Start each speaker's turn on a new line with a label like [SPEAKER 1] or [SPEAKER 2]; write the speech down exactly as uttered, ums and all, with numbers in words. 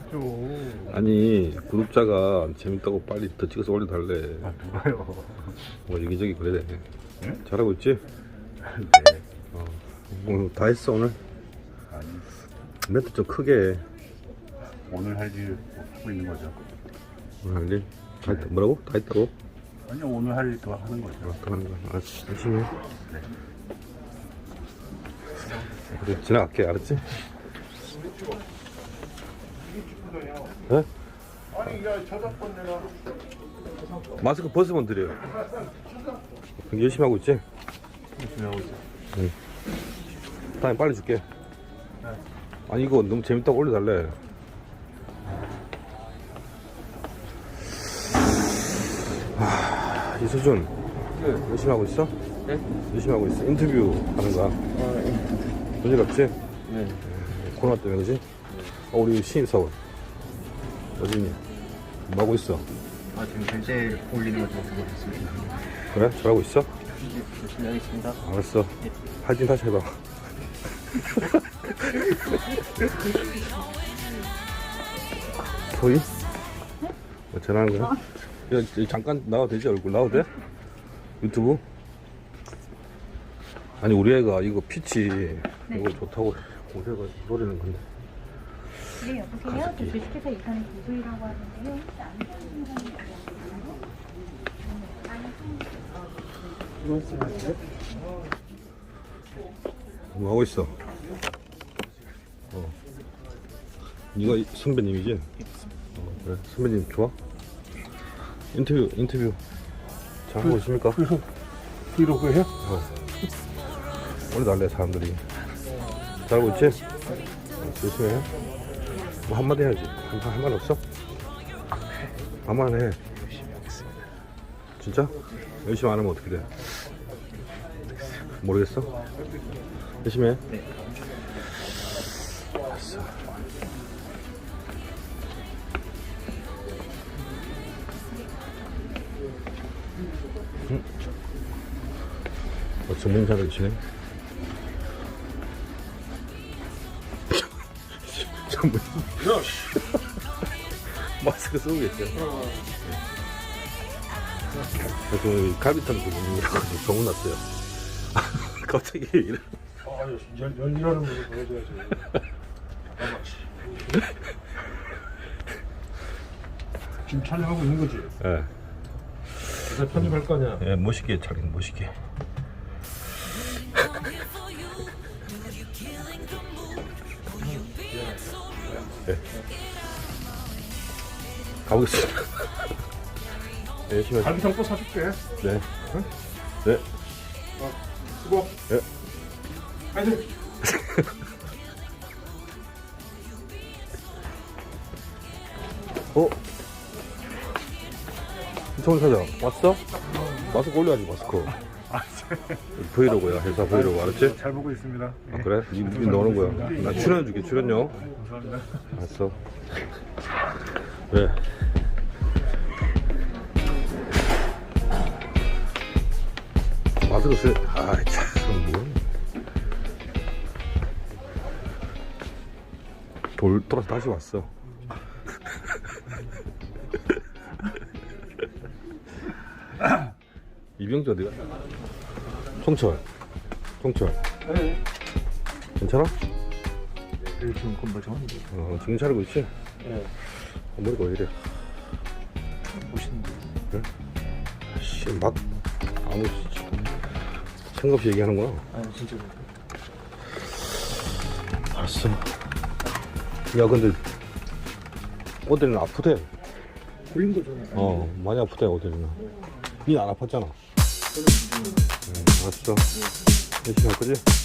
[SPEAKER 1] 좀.
[SPEAKER 2] 아니 구독자가 재밌다고 빨리 더 찍어서 올려달래.
[SPEAKER 1] 아 누가요?
[SPEAKER 2] 뭐 여기저기 그래.
[SPEAKER 1] 응?
[SPEAKER 2] 잘하고 있지?
[SPEAKER 1] 네.
[SPEAKER 2] 어. 오늘 다 했어 오늘?
[SPEAKER 1] 아니
[SPEAKER 2] 멘트 좀 크게 해.
[SPEAKER 1] 오늘 할 일 하고 있는 거죠.
[SPEAKER 2] 오늘 할 일? 다 했다. 뭐라고? 다 했다고?
[SPEAKER 1] 아니요 오늘 할 일 더 하는 거죠.
[SPEAKER 2] 어, 더 하는 거야. 알았어. 열심히 해.
[SPEAKER 1] 네.
[SPEAKER 2] 그래 지나갈게. 알았지? 네?
[SPEAKER 1] 아니 야 저작권 내가
[SPEAKER 2] 마스크 벗으면 드려요. 열심히 하고 있지?
[SPEAKER 1] 열심히 하고 있어.
[SPEAKER 2] 응. 다음에 빨리 줄게. 아니 이거 너무 재밌다고 올려달래. 하, 이수준
[SPEAKER 3] 네.
[SPEAKER 2] 열심히 하고 있어?
[SPEAKER 3] 네?
[SPEAKER 2] 열심히 하고 있어. 인터뷰 하는 거야.
[SPEAKER 3] 아, 네.
[SPEAKER 2] 문제 없지?
[SPEAKER 3] 네.
[SPEAKER 2] 코로나 때문에 그지? 어, 우리 신입사원 어진이 뭐 하고 있어?
[SPEAKER 3] 아, 지금 결제 올리는 거 좀 보고 있습니다.
[SPEAKER 2] 그래? 잘하고 있어?
[SPEAKER 3] 네, 열심히 하겠습니다.
[SPEAKER 2] 알았어. 할진 다시 해봐. 소희? 뭐 전화하는 거야? 야, 저 잠깐 나와도 되지? 얼굴 나와도 돼? 유튜브? 아니 우리 애가 이거 피치 이거 좋다고 고생을 노리는 건데.
[SPEAKER 4] 네, 여보세요. 저 주식회사 이사는 김소희라고 하는데요. 혹시 안 되는 사람이
[SPEAKER 2] 뭐 하고 있어? 어. 네가 이- 선배님이지? 어, 그래. 선배님 좋아? 인터뷰 인터뷰 잘 하고 있습니까?
[SPEAKER 1] 브이로그 해요?
[SPEAKER 2] 어. 오늘 날래 사람들이 잘하고 있지? 어, 열심히 해. 뭐 한마디 해야지. 한, 한, 말 없어? 한마디 해.
[SPEAKER 1] 열심히 하겠습니다.
[SPEAKER 2] 진짜? 열심히 안 하면 어떻게 돼? 모르겠어? 열심히 해.
[SPEAKER 3] 네.
[SPEAKER 2] 알았어. 응? 어, 전문 잘하시네. 전문. 마스크 쓰고 계세요. 그래서 갈비탕 부분이라고 소문났어요. 갑자기 이래.
[SPEAKER 1] 아 열, 열일하는 모습 보여줘야지. 지금 촬영하고 있는 거지?
[SPEAKER 2] 예.
[SPEAKER 1] 이제 편집할 거 아니야?
[SPEAKER 2] 예, 멋있게 촬영, 멋있게. 예. 가보겠습니다. 예, 열심히 하세요.
[SPEAKER 1] 갈비탕 또 사줄게.
[SPEAKER 2] 네. 네.
[SPEAKER 1] 수고.
[SPEAKER 2] 예.
[SPEAKER 1] 파이팅.
[SPEAKER 2] 어? 이청훈 사장, 왔어? 마스크 올려야지, 마스크. 브이로그야, 회사 브이로그, 알았지?
[SPEAKER 1] 잘 보고 있습니다.
[SPEAKER 2] 아, 그래? 니, 니 넣는 거야. 나 출연해줄게, 출연료.
[SPEAKER 1] 감사합니다.
[SPEAKER 2] 알았어. 그래. 마스크 쓰, 아이, 참, 뭐. 돌, 돌아서 다시 왔어. 이병주 어디가? 송철. 송철.
[SPEAKER 3] 네.
[SPEAKER 2] 괜찮아?
[SPEAKER 3] 네, 지금 건물 정원인데.
[SPEAKER 2] 어, 정신 차리고 있지?
[SPEAKER 3] 네.
[SPEAKER 2] 어, 머리가 왜 이래?
[SPEAKER 3] 멋있는데.
[SPEAKER 2] 그래? 씨, 막, 아무, 생각 없이 얘기하는구나.
[SPEAKER 3] 아, 진짜.
[SPEAKER 2] 알았어. 야, 근데, 어디는 아프대.
[SPEAKER 3] 걸린 거잖아요.
[SPEAKER 2] 어, 많이 아프대, 어디는. 니 안 아팠잖아. 응, 알았어. 열심히 할 거지?